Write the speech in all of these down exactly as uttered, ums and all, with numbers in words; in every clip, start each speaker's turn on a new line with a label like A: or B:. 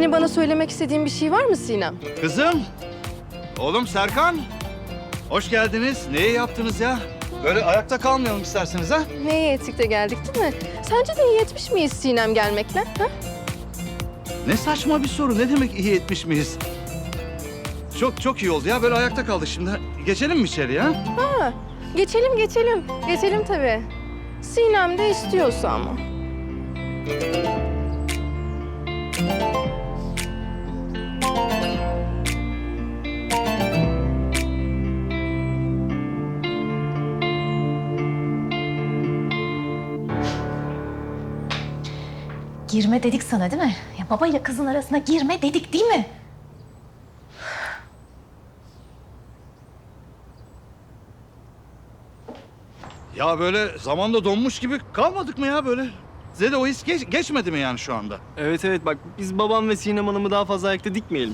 A: Senin bana söylemek istediğin bir şey var mı Sinem?
B: Kızım, oğlum Serkan. Hoş geldiniz. Neyi yaptınız ya? Böyle ayakta kalmayalım isterseniz ha?
A: Neye ettik de geldik değil mi? Sence de iyi etmiş miyiz Sinem gelmekle? Ha?
B: Ne saçma bir soru. Ne demek iyi etmiş miyiz? Çok çok iyi oldu ya. Böyle ayakta kaldık şimdi. Geçelim mi içeri ya?
A: Ha, geçelim geçelim. Geçelim tabii. Sinem de istiyorsa ama.
C: Girme dedik sana değil mi? Ya babayla kızın arasına girme dedik değil mi?
B: Ya böyle zamanda donmuş gibi kalmadık mı ya böyle? Size de o his geç- geçmedi mi yani şu anda?
D: Evet evet bak biz babam ve Sinem Hanım'ı daha fazla ayakta dikmeyelim.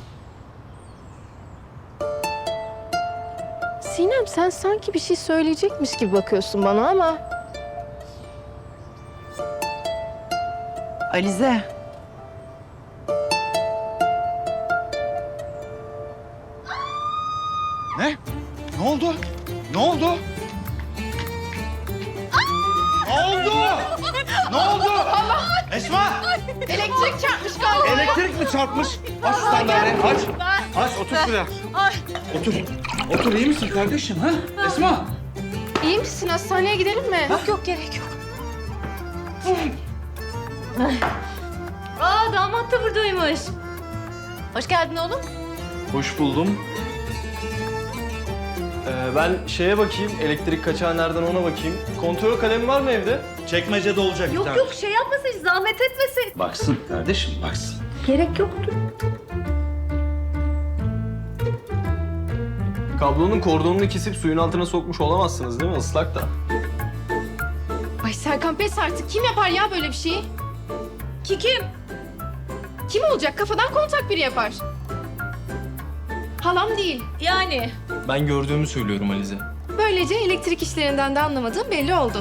A: Sinem sen sanki bir şey söyleyecekmiş gibi bakıyorsun bana ama...
E: Alize.
B: Ne? Ne oldu? Ne oldu? Ne oldu? Ne oldu? Esma!
A: Elektrik çarpmış galiba.
B: Elektrik mi çarpmış? Aç şu sandalyeyi, aç. Aç, otur şuraya. Otur. Otur, iyi misin kardeşim ha? Esma!
A: İyi misin? Hastaneye gidelim mi?
C: Yok yok gerek yok. Aa damat da buradaymış. Hoş geldin oğlum.
D: Hoş buldum. Ee, ben şeye bakayım, elektrik kaçağı nereden ona bakayım. Kontrol kalemi var mı evde?
B: Çekmecede olacak bir
C: Yok
B: tane.
C: yok şey yapmasın, zahmet etmesin.
B: Baksın kardeşim, baksın.
C: Gerek yoktu.
D: Kablonun kordonunu kesip suyun altına sokmuş olamazsınız değil mi? Islak da.
A: Ay Serkan pes artık. Kim yapar ya böyle bir şeyi?
C: Ki kim?
A: Kim olacak? Kafadan kontak biri yapar. Halam değil.
C: Yani.
D: Ben gördüğümü söylüyorum Alize.
A: Böylece elektrik işlerinden de anlamadığım belli oldu.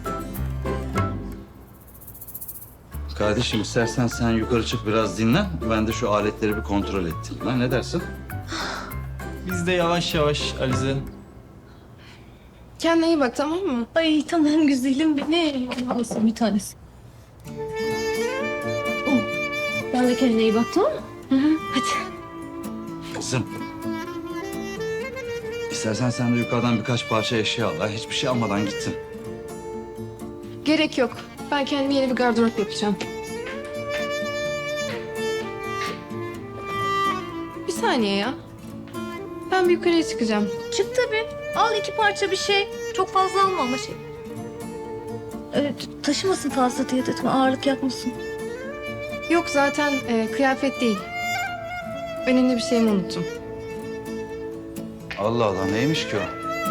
B: Kardeşim istersen sen yukarı çık biraz dinlen. Ben de şu aletleri bir kontrol ettim. Ha, ne dersin?
D: Biz de yavaş yavaş Alize.
A: Kendine iyi bak tamam mı?
C: Ay tamam güzelim benim. Alsın bir tanesi. Oh, ben de kendine iyi bak tamam mı? Hı hı. Hadi.
B: Kızım. İstersen sen de yukarıdan birkaç parça eşya al. Ha, hiçbir şey almadan gittin.
A: Gerek yok. Ben kendime yeni bir gardırop yapacağım. Bir saniye ya. Ben bir yukarıya çıkacağım.
C: Çık tabii. Al iki parça bir şey. Çok fazla alma ama şey. Evet, taşımasın fazla diye dedim. Ağırlık yapmasın.
A: Yok zaten e, kıyafet değil. Önemli bir şeyimi unuttum.
B: Allah Allah, neymiş ki o?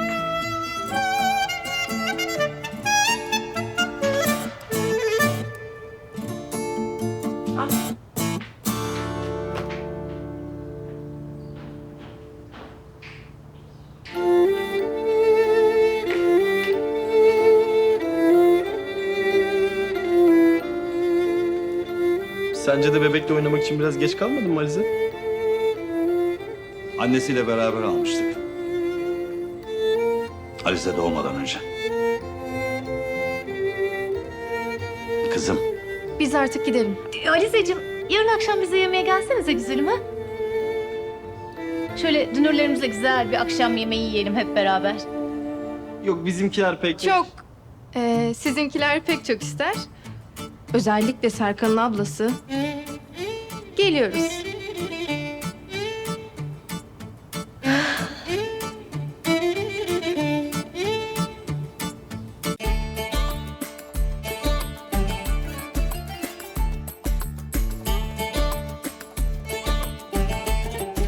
D: Sence de bebekle oynamak için biraz geç kalmadın mı Alize?
B: Annesiyle beraber almıştık. Alize doğmadan önce. Kızım.
A: Biz artık gidelim.
C: Alizeciğim, yarın akşam bize yemeğe gelsenize güzelim ha? Şöyle dünürlerimizle güzel bir akşam yemeği yiyelim hep beraber.
D: Yok bizimkiler pek...
A: Çok. E, sizinkiler pek çok ister. Özellikle Serkan'ın ablası. Geliyoruz.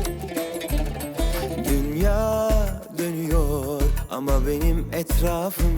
F: Dünya dönüyor ama benim etrafım